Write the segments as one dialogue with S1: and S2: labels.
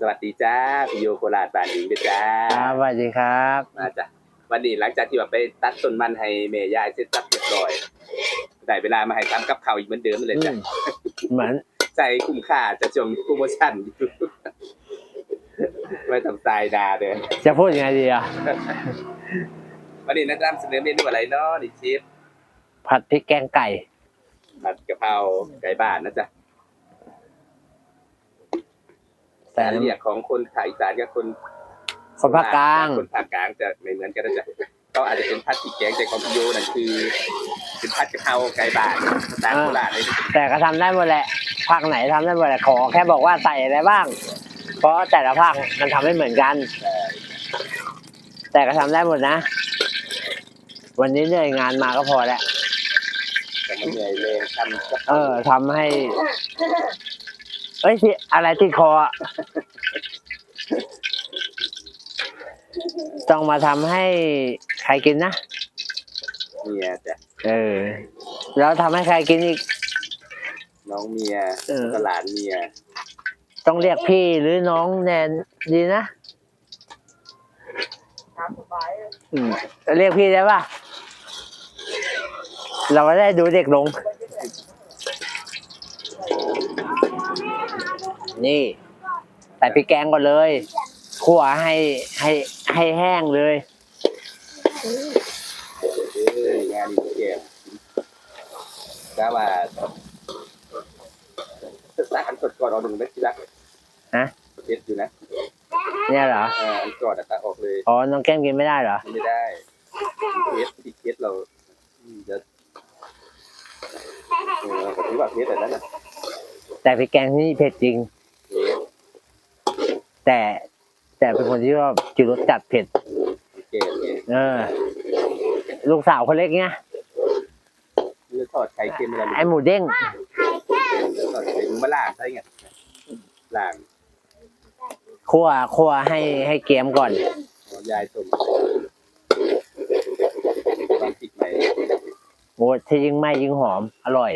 S1: วัสดีจ้าพี่โยโคราชบ้านอิงด้วยจ้า
S2: ครับสวัสดีครับ
S1: มาจ้ะวันนี้หลังจากที่ว่าไปตัดต้นมันให้แม่ยายเสร็จสับเรียบร้อยได้เวลามาให้ทำกับข้าวอีกเหมือนเดิมเลยจ้ะ
S2: เหมือน
S1: ใจคุ้มค่าจะช่วงโปรโมชั่นไม่ทำตายดาเด้อ
S2: จะพูดยังไงดีอ่ะ
S1: วันนี้นำเสนอเมนูอะไรเนาะนี่เชฟ
S2: ผัดพริกแกงไก่
S1: ผัดกะเพราไก่บ้านนะจ๊ะแต่เรียกของคนภาคอีสานกับคน
S2: ภาคกลาง
S1: คนภาคกลางจะไม่เหมือนกันนะจ๊ะก็อาจจะเป็นผัดพริกแกงแต่ของพี่โยนั่นคือเป็นผัดกะเพราไก่บ้านภาษาโคราชเลย
S2: แต่ก็ทำได้หมดแหละภาคไหนทำได้หมดแหละขอแค่บอกว่าใส่อะไรบ้างเพราะแต่ละภาคมันทำไม่เหมือนกันแต่ก็ทำได้หมดนะวันนี้เหนื่อยงานมาก็พอแล้ว
S1: แต่มันเหนื่อยเลย
S2: ทำให้ที่อะไรติดคอต้องมาทำให้ใครกินนะ
S1: เมียจ้ะ
S2: แล้วทำให้ใครกินอีก
S1: น้องเมียตลาดเมีย
S2: ต้องเรียกพี่หรือน้องแนนดีนะเรียกพี่ได้ป่ะเราก็ได้ดูเด็กลงนี่ใส่พริกแกงก่อนเลยคั่วให้แห้งเลย
S1: งานดีเกี่ยก็ว่าตักอันสดก่อนเอาหนึ่งได้ทีละเผ็ดอยู่นะ
S2: เนี่ยเหรอ
S1: อันก่อนตักออกเลย
S2: อ๋อน้องแก้มกินไม่ได้เหรอ
S1: ไม่ได้เผ็ดเราจะถือว่าเผ็ดแต่นั้นนะ
S2: แต่พริกแกงที่นี่เผ็ดจริงแต่เป็นคนที่ชอบกินรสจัดเผ็ดลูกสาวคนเล็กเนี่ย
S1: ทอดไข่เค็มอะไร
S2: ไอหมูเด้ง
S1: ทอดไข่มาล่างใช่ไงล่าง
S2: คั่วให้เกรียมก่อน
S1: ยายต้มวางติดไหม
S2: โอ้ที่ยิ่งไหม้ยิ่งหอมอร่อย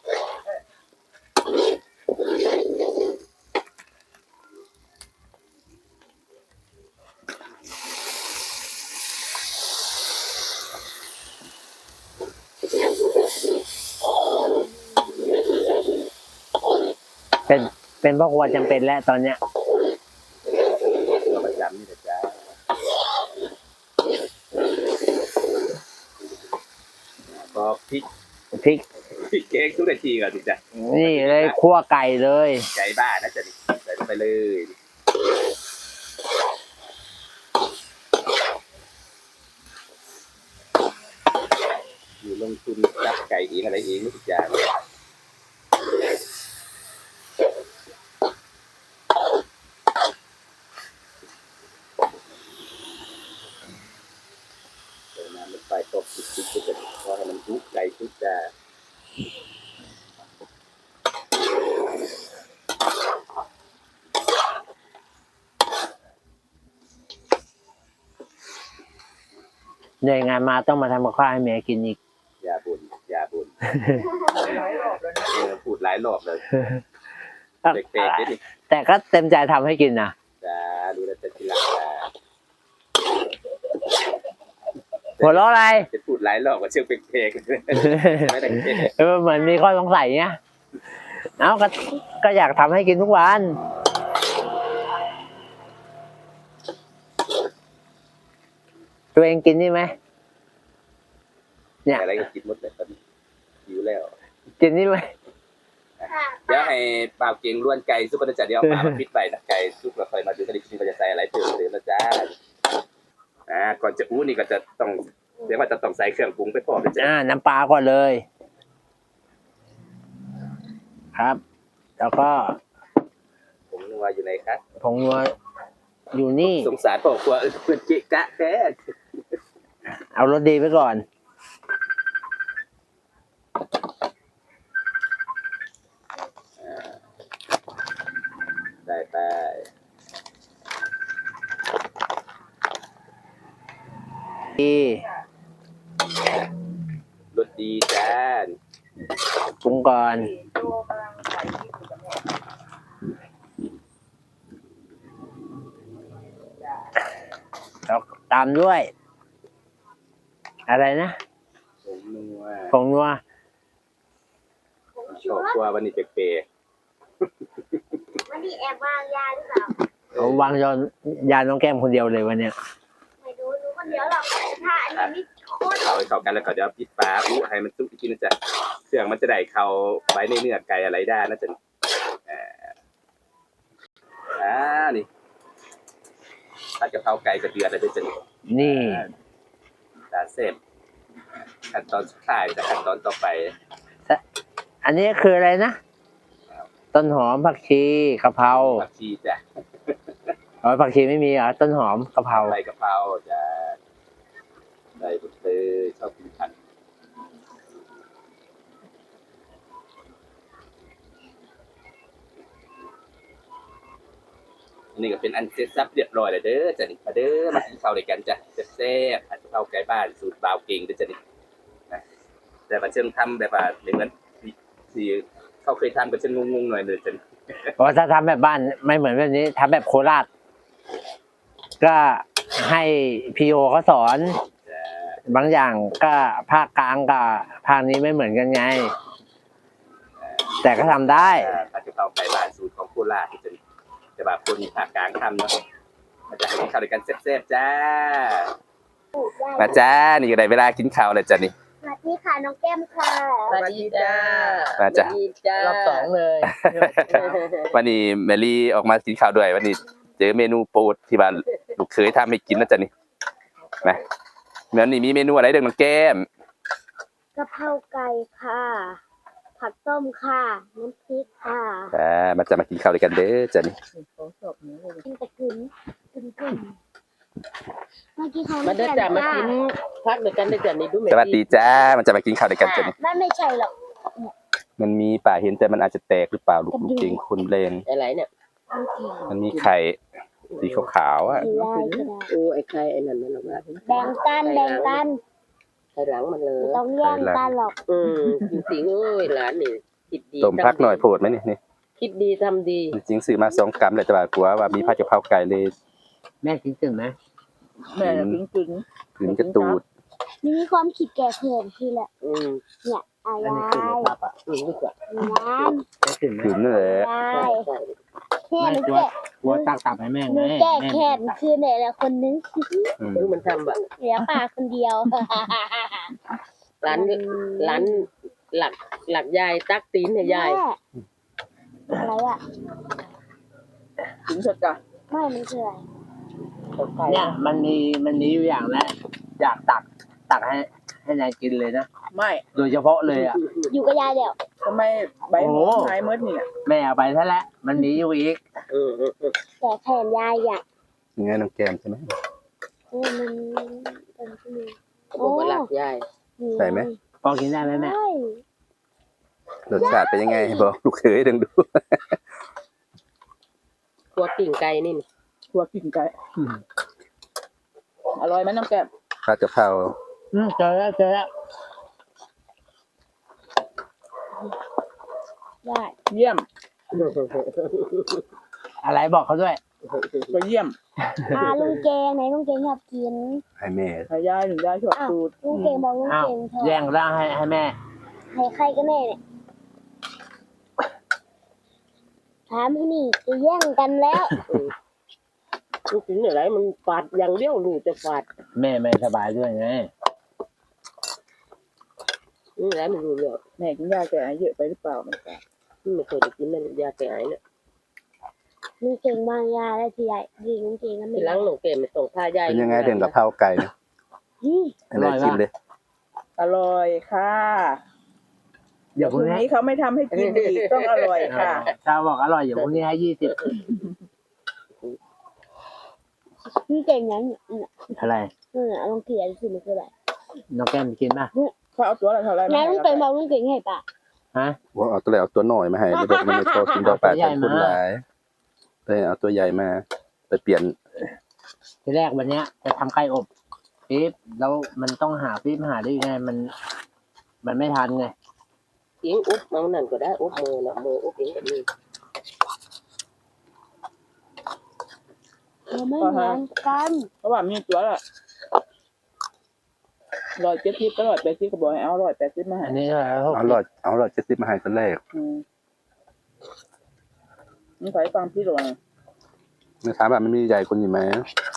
S2: เป็นพ่อครัวจำเป็นแล้วตอนเนี้ย
S1: ประจำนี่แหละจ้าพอพริกแกงทุกนาทีก่อนสิจ้ะ
S2: นี่เลยคั่วไก่เลย
S1: ไก่บ้านนะจ๊ะใส่ไปเลยอยู่ลงทุนจับไก่เองอะไรเองทุกอย่างไปตบติดจะพอให้มันทุกไก่ทุกจะ
S2: เหนื่อยงานมาต้องมาทำกับข้าวให้แม่กินอีก
S1: อย่าบ่นพูดหลายรอบเลย
S2: แต่ก็เต็มใจทำให้กินนะ
S1: จ้าดูแลแต่ทีหลัง
S2: หัวเราะอะไร
S1: จะพูดหลายรอบก็เชื่อเพลงไม่ได้
S2: เหมือนมีข้อสงสัยเนี้ยก็อยากทำให้กินทุกวันตัวเองกินนี่ไหม
S1: เนี่ยอะไรก็กินหมดเลยตอนนี้หิวแล้ว
S2: กินนี่ไหม
S1: เดี๋ยวให้ปลาเก่งล้วนไก่ซุปกระจัดเดี๋ยวปลาปิดไปนะไก่ซุปเราค่อยมาดูกันอีกทีว่าจะใส่อะไรเพิ่มเติมนะจ้าก่อนจะอู้นี่ก็จะต้องเดี๋ยวว่าจะต้องใส่เครื่องปรุงไปพอเลยจ้า
S2: น้ำปลาก่อนเลยครับแล้วก็
S1: ผงนัวอยู่ไหนครับ
S2: ผงนัวอยู่นี่
S1: สงสารพ่อครัวเพื่อนเจ๊กะแท้
S2: เอารสดีไปก่อน
S1: ได้ไปรสดีจ้า
S2: ปรุงก่อนตามด้วย อะไรนะ
S1: ผมนัว
S2: ผงนัว
S1: ชอบกว่าวันนี้เป๊ะ
S3: วันนี้แอบวางยาหรือเปล่า
S2: เอาวางยาน้องแก้มคนเดียวเลยวันเนี้ย
S3: ไม่รู้รู้คนเดียวหรอกถ้าอันนี้นี่โคตร
S1: ๆเขาให้เข้ากันแล้วก็เดี๋ยวปิดฝาอู้ให้มันสุกอีกทีนะจ๊ะเครื่องมันจะได้เข้าไว้ในเนื้อไก่อะไรได้นะจ๊ะนี่ผัดกะเพราไก่กระเดือดอะไรด้วยจ๊ะ
S2: นี่
S1: ตาเสร็จขั้นตอนสุดท้ายจากขั้นตอนต่อไป
S2: อันนี้คืออะไรนะ ต้นหอมผักชีกะเพรา
S1: ผักชีจ้ะ
S2: อ๋อผักชีไม่มีเหรอต้นหอมกะเพรา
S1: ใส่กะเพราจะใส่บุตรเลยชอบกินผัดอันนี้ก็เป็นอันเสร็จสับเรียบร้อยแล้วเด้อจ้ะนี่มาเด้อมากินข้าวด้วยกันจ้ะแซ่บๆผัดกะเพราไก่บ้านสูตรบ่าวเก่งเด้อจ้ะนี่นะแต่ว่าเชิงทำแบบว่าเหมือนที่เขาเคยทำก็จะงงๆหน่อยเลยจ้ะนี่
S2: เพราะถ้าทำแบบบ้านไม่เหมือนแบบนี้ทำแบบโคราช ก็ให้พีโอเขาสอน
S1: จ้ะ
S2: บางอย่างก็ภาคกลางกับภาคนี้ไม่เหมือนกันไง แต่ก็ทำได้
S1: ผัดกะเพราไก่บ้านสูตรของโคราชที่จะแต่แบบคนภาคกลางทำเนาะมาจะให้กินข้าวด้วยกันแซ่บๆจ้า
S3: ปลูกได้
S1: มาจ้านี่ก็ได้เวลากินข้าวแล้วจ้ะนี่
S3: สวัสดีค่ะน้องแก้มค่ะ
S4: สวัสดีจ้า
S1: มาจ้ะ
S4: สวัสดีจ้าร
S2: อบสองเลย
S1: วันนี้แมรี่ออกมากินข้าวด้วยวันนี้เจอเมนูโปรดที่บ้านลูกเคยทำให้กินนะจ๊ะนี่นะแล้วนี่มีเมนูอะไรเด็กน้องแก้ม
S3: กะเพราไก่ค่ะ ผักต้มค่ะ น้ำพริกค่ะ
S1: มาจะมากินข้าวด้วยกันเด้อจ้ะนี่
S4: ของสอบนี้เลย
S3: กินแต่กึ่นเมื่อกี้เขา
S4: มาเด้อจ้ามากินพักเดียวกันเด้อจ้านี่ดูแม่
S1: สวัสดีจ้ามันจะมากินข้าวด้วยกันจ้ะนี่
S3: ไม่ใช่หรอก
S1: มันมีป่าเห็นแต่มันอาจจะแตกหรือเปล่าลูกเก่งคุณแรง
S4: อะไรเนี่ย
S1: มันมีไข่สีขาวๆอ่ะ
S3: ได้ก็ได้
S4: โอ้ไอ้ใครไอ้นั่นมันออกมา
S3: แบ่งกัน
S4: ไอ้หลังมันเลย
S3: ไม่ต้องแย่งกันหรอก
S4: จริงๆเอ้ยหลานนี่คิดดี
S1: ต้มพักหน่อยโพดไหมนี่
S4: คิดดีทำดี
S1: จริงๆซื้อมา2 กรัมเลยแต่ว่ากลัวว่ามีผัดกะเพราไก่เลย
S2: แม่คิดถึงไหม
S4: แม่กินกิน
S1: ถึงกระตูด
S3: มีความคิดแก่เพื่อนที่แหละ เนี่ยอะ
S2: อั
S3: ไร
S2: นนี้คือในภาพอ่ะ
S4: ดีกว่า
S3: น้ำ
S2: ไม่ถึงไหม
S1: ถึงนั่นแหละ
S3: ได้
S4: ใช่ใช่
S3: แค่หนู
S2: กลัว
S3: แก่
S2: กลัวตักตับให้แม่
S3: ห
S2: ไง
S3: นูแก้
S2: แม่
S3: แค้นคือเนี่ยแหละคนนึง
S4: มันทำแบบ
S3: เหลือป่าคนเดียว
S4: หลานหลักยายตักตีนเนี่ยยาย
S3: แม่อะไรอ่ะ
S4: ถึงสดจ้ะ
S3: ไม่มันคืออะไร
S2: เนี่ยมันมีอยู่อย่างแรกอยากตักให้นายกินเลยนะ
S5: ไม่
S2: โดยเฉพาะเลยอ่ะ
S3: อยู่กับยายเดี๋ยว
S5: ทำไมใบ
S2: โอ้
S5: หั
S2: โห
S5: วหายเมื่อนี่
S2: แม่เอาไปซะแล้วมันมีอยู่อีก
S3: แต่แขนยายอ่ะ
S1: ยังไงน้องแก้มใช่ไหม
S3: มันเป็นที่มือ
S4: เขาบอกว่าหลักยาย
S1: ใส่ไหม
S2: พอกินได้ไหมแม่
S3: ใช่
S1: รสชาติเป็นยังไงบอกลูกเคยดึงดู
S4: ตัวกิ่งไก่นี่
S5: ตัวกิ่งไก่อร่อยไหมน้องแก้ม
S1: ผัดกะเพรา
S2: เจอแล้ว
S3: ได้
S5: เยี่ยม
S2: อะไรบอกเขาด้วย
S5: ก็เยี่ยม
S3: ลุงเกงไหนลุงเกงอยากกิน
S1: ให้แม่
S5: ขายายถึงยายชอบ
S3: อ้าว
S5: สูตร
S3: ลุงเกงบอกลุง
S2: อ้าว
S3: เกงชอบ
S2: แย่งร่างให้แม่
S3: ให้ใครกันแน่เนี่ยถามที่นี่จะแย่งกันแล้ว
S4: มันถึงอะไรมันฝาดอย่างเดียวลูกจะฝาด
S2: แม่ไม่สบายด้วยไง
S4: นี่แหละมันรู้เรื่อง
S5: แม่กินยาแก้ไอเยอะไปหรือเปล่ามันก็
S4: ไม่เคยได้กินนั่นยาแก้ไอเนี่ย
S3: ลุงเกงบางยาแล้วทีใหญ่ดีลุงเกงก็ไม่
S4: ทีหลังหนูเก็บไม่ต้องพายาย
S1: เป็นยังไงเด่นกะเพราไก่นะ
S3: อืม
S1: ให้แม่ชิมเลย
S5: อร่อยค่ะ
S2: เดี๋ยวพ
S5: พ
S2: รุ่
S5: รุ่
S2: ง
S5: ง
S2: นี้
S5: นี้เขาไม่ทำให้กินอีกต้องอร่อยค่ะ
S2: ชาวบอกอร่อยเดี๋ยวพรุ่งนี้ให้20
S3: ลุงเกงนั้น
S2: อะไร
S3: ลุงเกงสิมันคืออะไร
S2: น้องแก้มกินป่ะ
S5: เขาเอาตัวละเท่าไหร่
S3: แม่ลุงเกงบอกลุงเกงให้ป่ะ
S2: ฮะ
S1: ว่าเอาตัวไหนเอาตัวหน่อยมาให้เดี๋ยวบอกมันไม่พอกินดอกปลาใส่คนหลายเลยเอาตัวใหญ่มาไปเปลี่ยน
S2: ทีแรกวันเนี้ยจะทำไก่อบปี๊บแล้วมันต้องหาปี๊บหาได้ยังไงมันไม่ทันไง
S4: เองอุ๊บมันนั่นก็ได้อุ๊บมือนะมืออุ๊บเองแบบนี้
S3: เราไม่เหมือนกัน
S5: เพราะว่ามีตัวละ 170ก็180ก็บอกให้เอา180มาให้
S2: อันนี้เท่าไหร่หก
S1: เอา170มาให้ตอนแรก
S5: มึงใส่ฟังพี่หลวง
S1: ไม่ถามว่ามันมีใหญ่คนอยู่ไหม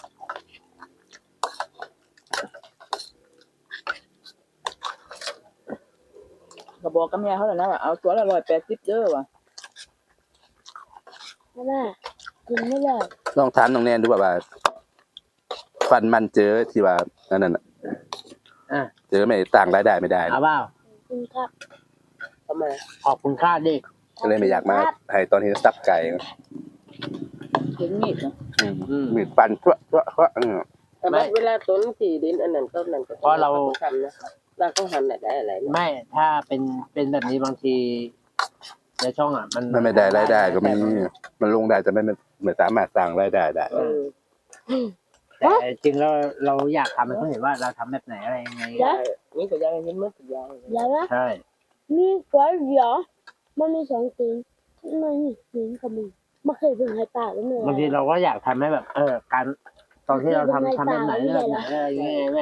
S5: ก็บอกกับแม่เขาแล้วนะว่าเอาตัวละ180เด้อว่ะ
S3: แม่กินไม่เลย
S1: ลองถามน้องแนนดูว่าฟันมันเจอที่ว่านั่นน่ะ
S2: อ่ะ
S1: เจอไม่ต่างรายได้ไม่ได้
S2: เอาเปล่า
S3: กินครับ
S4: ทำไม
S2: ขอบคุณค่าดิ
S1: ก็เลยไม่อยากมาให้ตอนที่ซับไก่
S5: เห็นมีดนะ
S1: มีดฟันทั่ว
S4: แต่ว่าเวลาต้นที่ดินอันนั้นต้นนั้นก็ทำนะเราก็หันได้อะไรนะ
S2: ไม่ถ้าเป็นแบบนี้บางทีในช่องอ่ะมัน
S1: มันไม่ได้รายได้ก็มีมันลงได้แต่ไม่สามารถสร้างรายได้ได้
S2: แต่จริงแล้วเราอยากทำให้เขาเห็นว่าเราทำแบบไหนอะไรยังไง
S4: นี่ก็ยังเห็นมั้ยยาย
S3: เดี๋ยวนะ
S2: ใช่
S3: มีก๋วยเตี๋ยวมันมี2สีมันมีสีกับมือไม่เคยเพิ่งให้ปากแล้วเลย
S2: บางทีเราก็อยากทำให้แบบ การตอนที่เราทำแบบไหนแบบไหนอะไรยังไงแม่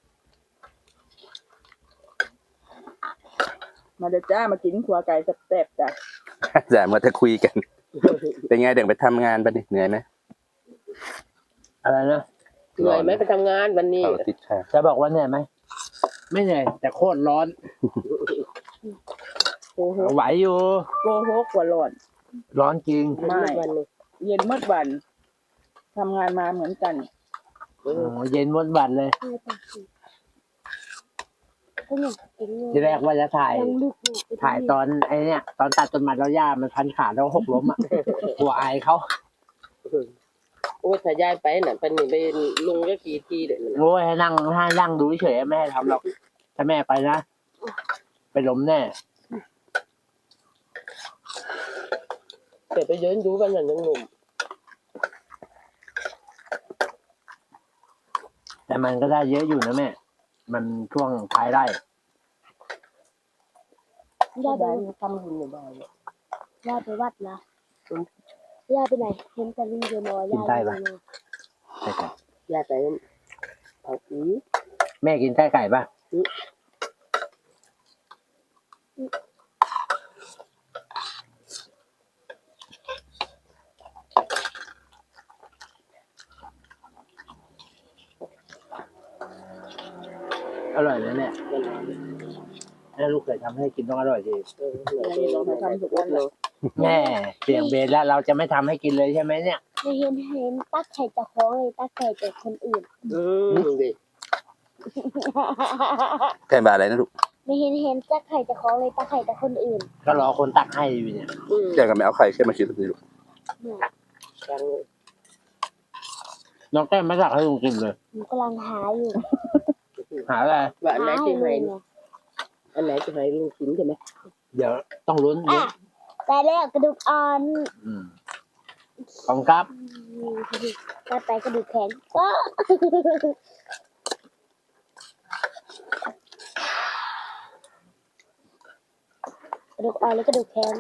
S5: มาเด้อจ้ามากินขัวไก่แซ่บๆจ้ะ
S1: แต่เมื่อถ้าคุยกัน เป็นไงเดี๋ยวไปทำงานปะนี่เหนื่อยไหม
S2: อะไรนะ
S4: เหนื่อยไหมไปทำงานวันนี้
S1: เอาทิศค่ะ
S2: จะบอกว่าเหนื่อยไหมไม่เหนื่อยแต่โคตรร้อน
S5: โอ้โห
S2: ไหวอยู่
S5: โกหกกว่าร้อน
S2: ร้อนจริง
S4: วันนี้
S5: เย็นมืดวันทำงานมาเหมือนกัน
S2: โอ้เย็นวนวันเลย
S3: ให้ปากสีก็อยากกินเลย
S2: ทีแรกว่าจะถ่าย
S3: ยังลึกอยู่
S2: ถ่ายตอนไอ้เนี่ยตอนตัดต้นไม้แล้วหญ้ามันพันขาแล้วหกล้มอ่ะ หัวอายเขา
S4: โอ้ถ้ายายไปน่ะเป็นนี่ไปลุงก็กี่ทีเด้อ
S2: โอ้ยให้นั่งดูเฉยๆไม่ให้ทำหรอกถ้าแม่ไปนะไปล้มแน่
S4: แต่ไปยืนดูกันอย่างหนุ่ม
S2: แต่มันก็ได้เยอะอยู่นะแม่ มันช่วงท้ายไร่
S3: ย่าไป
S4: ได้ทำบุญอยู่บ้าน
S3: ย่าไปวัดนะย่าไปไหนเห็นแต่ลุงเดียวน้อยย่าไปไหน
S2: ใช่ครับ
S4: ยายไปเอาอี
S2: แม่กินไส้ไก่ป่ะอร่อยเลยเนี่ยแม่ลูกเคยทำให้กินต้องอร่อยดี แม่เสียงเบสแล้วเราจะไม่ทำให้กินเลยใช่ไหมเนี่ย
S3: ไม่เห็นตักไข่จะคล้องเลยตักไข่จากคนอื่น
S4: ดิ
S1: แค่บาอะไรนะลูก
S3: ไม่เห็นตักไข่จะคล้องเลยตักไข่จากคนอื่น
S2: ก็รอคนตักให้อยู่เนี่ย
S1: แกก็ไม่เอาไข่แค่มาคิดดูลูก
S2: น้องแก้มไม่ตักให้ลุงกินเลย
S3: หนูกำลังหาอยู่
S2: หาอะไร
S4: ว่าอันไหน
S3: หา
S4: ที่
S3: ให้
S4: ให้
S3: ลุงเนี่ย
S4: อันไหนที่ให้ลุงกินใช่ไหม
S2: เดี๋ยวต้องลุ้น
S3: อ่ะแต่แล้วกระดูกอ่อน
S2: ขอบคุณครับ
S3: ตัดไปกระดูกแข็งก็ กระดูกอ่อนแล้วกระดูกแข็ง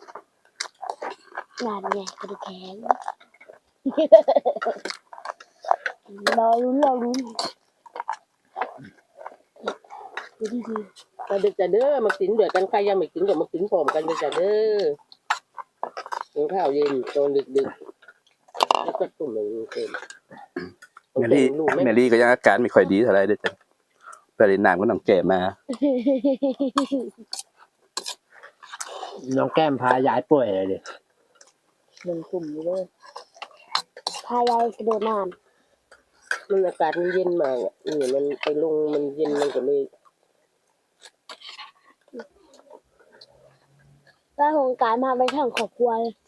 S3: นานไงกระดูกแข็งรอลุ้นดูดี
S4: มาดึกจะเด้อมากินเดือดกันใครยังไม่กินก็มากินพร้อมกันเลยจ้ะเด้อกินข้าวเย็นตอนดึกแล้วก็ตุ่มเลยเต็ม
S1: แมรี่ก็ยังอาการไม่ค่อยดีเท่าไรเด้อจ้ะไปเล่นน้ำก็น้องแก่มา
S2: น้องแก้มพายายป่วยเลยดิ
S5: 1 ทุ่มอยู่เลย
S3: พายายกระโดดน้
S4: มันอากาศมันเย็นมากอ่ะนี่มันไปลงมันเย็นมันก็เลย
S3: ำแล้วโครงการมาไปทางครอบครัวเลย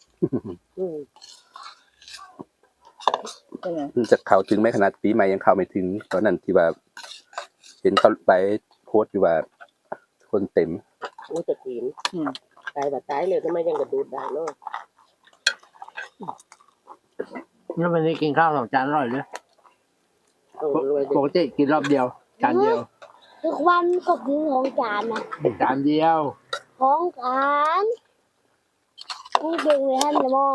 S5: เป็นไง
S1: จะเข้าถึงไหมขนาดปีใหม่ยังเข้าไม่ถึงตอนนั้นที่ว่าเห็นเขาไปโพสต์อยู่ว่าคนเต็ม
S4: โอ้จะกินตายแบบตายเลยทำไมยังกระดูดได้เนาะ
S2: แล้ววันนี้กินข้าว2 จานอร่อยเลย
S4: รวย
S2: ปกติกินรอบเดียวจานเดียว
S3: ทุกวันก็คือของจานนะ
S2: จานเดียว
S3: ของจานนี่เก่งเลยท่านจะมอง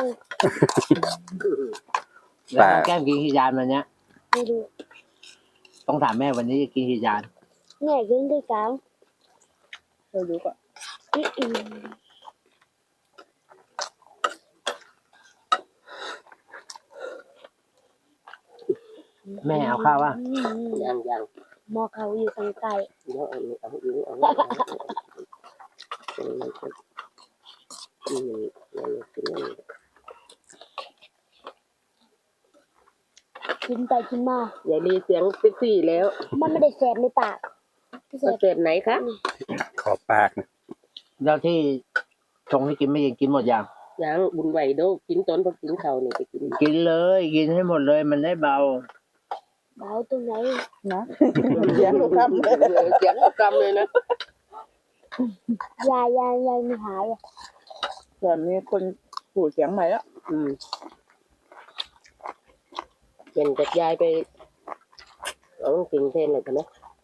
S2: แล้วน้องแก้มกินกี่จานวันเนี้ย
S3: ไม่ดู
S2: ต้องถามแม่วันนี้จะกินกี่จาน
S3: nghe cái cáo
S5: เราดูก่อน
S2: แม่เอาข้าวป่ะ
S4: ยัง
S3: mò khẩu như thằng cày
S4: เดี๋ยวเอาอีกเอา
S3: กินไปกินมา
S4: อย่ารีเสียงเซ็กซี่แล้ว
S3: มันไม่ได้แสบในปากแส
S4: มัน
S3: บ
S4: เสพไหนคะ
S1: ขอบปากนะ
S2: แล้วที่ชงให้กินไม่กินหมดยัง
S4: ยังบุญไหวโดกินตอนพอกินข้าวนี่ไปกิน
S2: กินเลยกินให้หมดเลยมันได้เบา
S3: เบาตรงไหน
S5: นะเสียงลูกคำเลย
S4: เสียงกำเลยนะ
S3: ยายไม่หายอ่ะ
S5: ส่วนมีคนผูดเสียงใหม่แล้ว
S4: เห็นจากยายไปเอาสิ่งเทนเลยใช่ไหม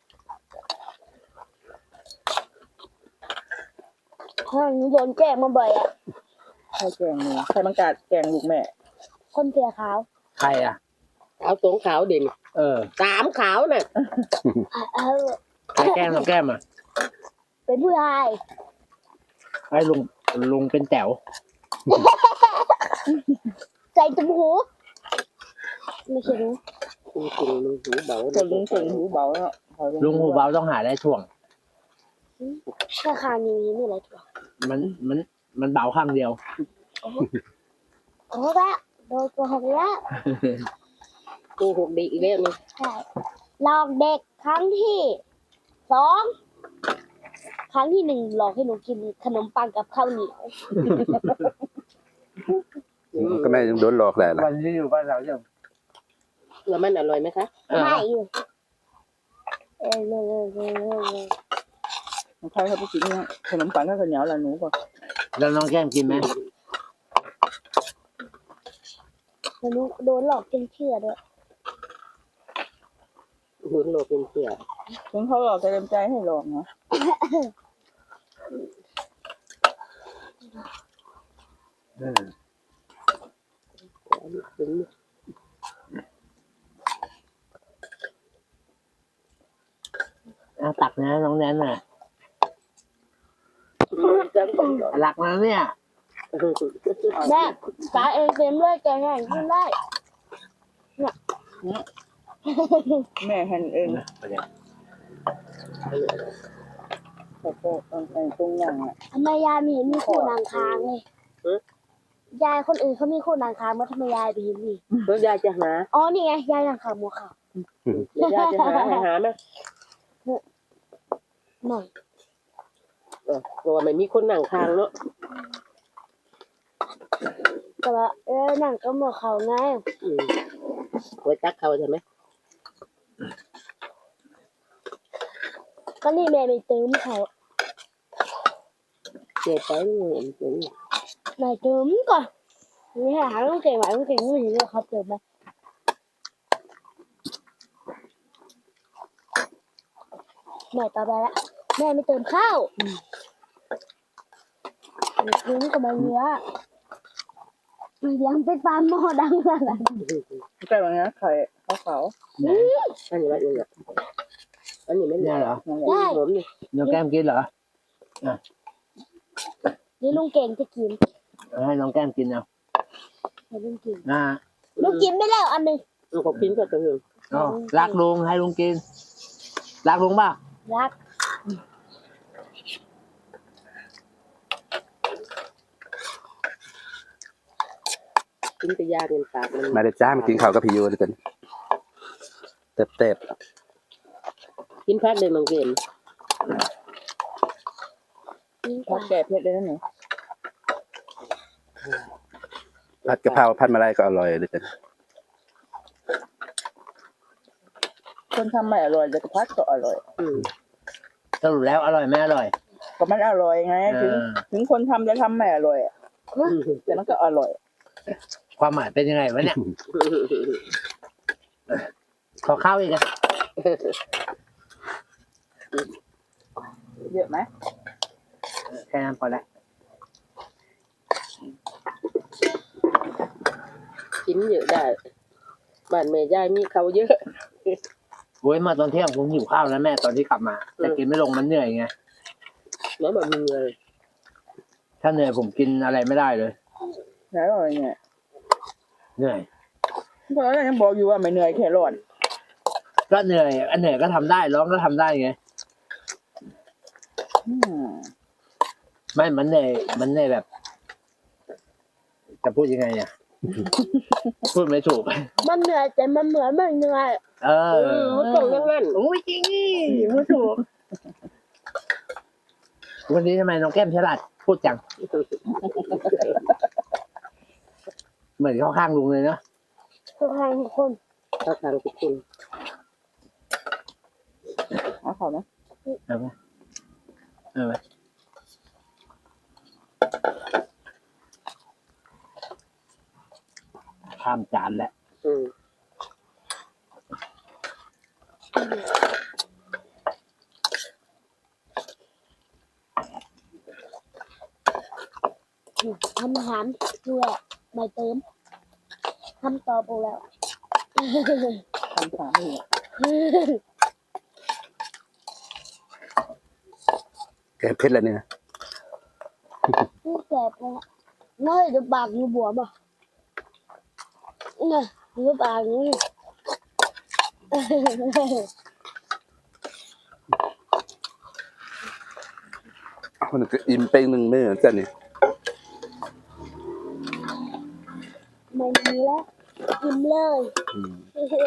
S3: ห้องโดนแกล้งมาบ่อยอ่ะ
S5: ใครแกงหนูใครบังกาดแกงลูกแม่
S3: คนเสียขาว
S2: ใครอ่ะ
S4: เอาสองขาวเด่น
S2: ส
S4: 3ขาวน่ะ
S3: เออ
S2: ใครแก้มน้องแก้มอ่ะ
S3: เป็นผู้ชาย
S2: ไอ้ลุงเป็นแต๋ว
S3: ใส่ตุ้มหูไม่ใช่รู้
S4: คุณลุงหูเบา
S5: คนลุงคนหูเบาแล้ว
S2: ลุงหูเบาต้องหาได้ถ่วง
S3: แค่คางนี้นี่อะไรตัว
S2: มันเบาข้างเดียว
S3: โอ้โหละโดนตัวหกแล้ว
S4: กูหกดีอีกแล้วนี่
S3: ใช่หลอกเด็กครั้งที่สองครั้งที่หนึ่งหลอกให้หนูกินขนมปังกับข้าวเหนียว
S1: ก็แม่ยังโดนหลอกแหละล่ะ
S2: วันที่อยู่บ้านเราจะ
S4: แล้วมันอร่อยไหมคะ
S3: ไม่อยู่เออ
S5: ใครเขาไปกินขนมปังกับข้าวเหนียวละหนูก่อน
S2: แล้วน้องแก้มกินไหม
S3: หนูโดนหลอกจนเชื่อด้วย
S4: หุนโลเป็นเสีย
S5: ถึงเขาหลอกจะเต็มใจให้หลอกเนาะ
S4: เป็น
S2: ตักนะน้องแนนน่ะ
S4: จังก่อน
S2: หลักนะเนี่ย
S3: แม่ตาเองเต็มเลยแกง่ายขึ้นได้
S5: แม่หั่นเองแต่ก็ตรงอย่างอ่ะ
S3: ทำไมยายไม่เห็นมีคู่นางคางเลยยายคนอื่นเขามีคู่นางคางมาทำไมยายไปเห็นนี่
S4: แล้วยายจะหา
S3: อ๋อนี่ไงยายนางคางมัวขาวย
S4: ายจะหาไหม
S3: หน่อย
S4: เพราะว่าไม่มีคนนั่งข้างเนาะ
S3: แต่ว่าหนังก็มัวเขาไง
S4: ไว้ตักเขาใช่ไหม
S3: ก็นี่แม่ไม่เติมเขา
S4: เจ็บไปเป็น
S3: แม่เติมก่อนนี่หาต้องเก่งไหวต้องเก่งไม่เห็นเลยเขาเติมไหมแม่ต่อไปละแม่ไม่เติมข้าวทิ้งกับมันเยอะยังไปฟาร์มหม้อดังเลย
S5: ใกล้วันนี้ไข่ขาว
S4: อันนี้ว่าอย่างเงี้ยอันนี้ไม่
S2: เนี่ยเหรอ
S4: ผมนี่
S2: น้องแก้มกินเหรอ
S3: นี่ลุงเก่งจะกิน
S2: ให้น้องแก้มกินเอา
S3: ให้ลุงกิน
S2: อ่า
S3: ลุงกินไปแล้วอันหนึ่ง
S4: ผมกินก็จะหนึ่ง
S2: อ๋อรักลุงให้ลุงกิน รักลุงป่ะ
S3: รัก
S4: กินกระยาเงินปากมัน
S1: มาได้จ้ามากินข้าวกับพี่ยูด้วยกันเต็บ
S4: กินพักเลยมังเกม
S3: กิน
S5: ๆ
S3: กว่า
S5: แก่เพชรเลยนะหนู
S1: ๆผัดกะเพราผัดมะไรก็อร่อยด้วยกัน
S5: คนทำไม่อร่อยแต่กระพัดก็อร่อย
S2: สรุปแล้วอร่อยไม่อร่อย
S5: ก็มันอร่อยไงถึงคนทำจะทำไม่อร่อยแต่มันก็อร่อย
S2: ความหมายเป็นยังไงวะเนี่ย ขอข้าวอีกอะ
S5: เยอะไหม
S2: แค่นั้นพอแล้ว
S4: กินเยอะได้บ้านแม่ยายมีเขาเยอะ
S2: โว้ยมาตอนเที่ยงผมหิวข้าวแล้วแม่ตอนที่กลับมาแต่กินไม่ลงมันเหนื่อยไง
S4: แล้วแบบมึงเลย
S2: ถ้าเหนื่อยผมกินอะไรไม่ได้เลย
S5: แล้วอะไรเนี่ย
S2: เหนื่อย
S5: เพราะเรายังบอกอยู่ว่าไม่เหนื่อยแค่ร้อน
S2: ก็เหนื่อยอันเหนื่อยก็ทำได้ร้องก็ทำได้ไง
S5: อืม
S2: ไม่มันเหนื่อยแบบ จะพูดยังไงอ่ะ พูดไม่ถูก
S3: มันเหนื่อยแต่มันเหมือนไม่เหนื่อย
S2: เออ
S4: มันต้องอย่างนั้น
S2: โอ้ยจริงนี่พูดถูกวันนี้ทำไมน้องแก้มฉลาดพูดจัง เหมือนเข้าข้างลุงเลยเนาะ
S3: ทุกคน
S4: ถ้าทางทุกคน
S5: เอาเขาไหม
S2: เอาไหมเอาไหมข้ามจานแล้ว
S4: อืม
S3: ทำอาหารเพื่อไม่เติมทำต่อไปแล้ว
S5: ทำสามนี่
S1: แกเพชรแล้วเนี่ย
S3: นี่แสบเลยน้อยจะปากอยู่บวมอ่ะเนี่ยอยู่ปากนี่
S1: มันก็อิ่มไปหนึ่งมื้อจ้ะนี่
S3: ไม่มีแล้วกินเลย
S1: อืม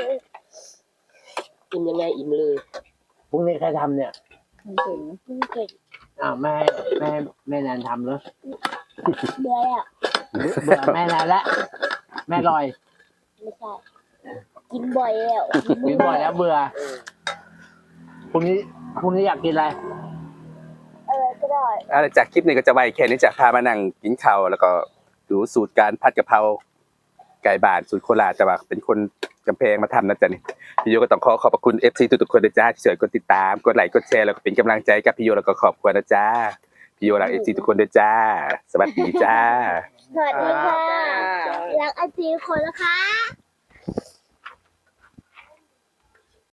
S4: กินยังไงอิ่มเลย
S2: พรุ่งนี้ใครทำเนี่ย
S5: มันเก่งนะ
S3: กินเก่ง
S2: อ้าวแม่แนนทำเหรอ
S3: เบื่ออ่ะ
S2: เบื่อแม่แนนแล้วแม่ลอย
S3: ไม่ใช่กินบ่อยแล้ว
S2: กินบ่อยแล้วเบื่อพรุ่งนี้อยากกินอะไร
S3: ก็ได้
S1: จากคลิปนี้ก็จะไว้แค่นี้จะพามานั่งกินข้าวแล้วก็ดูสูตรการผัดกะเพราไก่บ้านสูตรโคราชแต่ว่าเป็นคนกำแพงมาทำนะจ๊ะนี่พี่โยก็ต้องขอขอบพระคุณ FC ทุกๆคนนะจ๊ะที่ช่วยกดติดตามกดไลค์กดแชร์แล้วก็เป็นกำลังใจกับพี่โยแล้วก็ขอบคุณนะจ๊ะพี่โยรัก FC ทุกคนด้วยจ้าสวัสดีจ้า
S3: สวัสดีค่ะรักไอจีคนนะคะ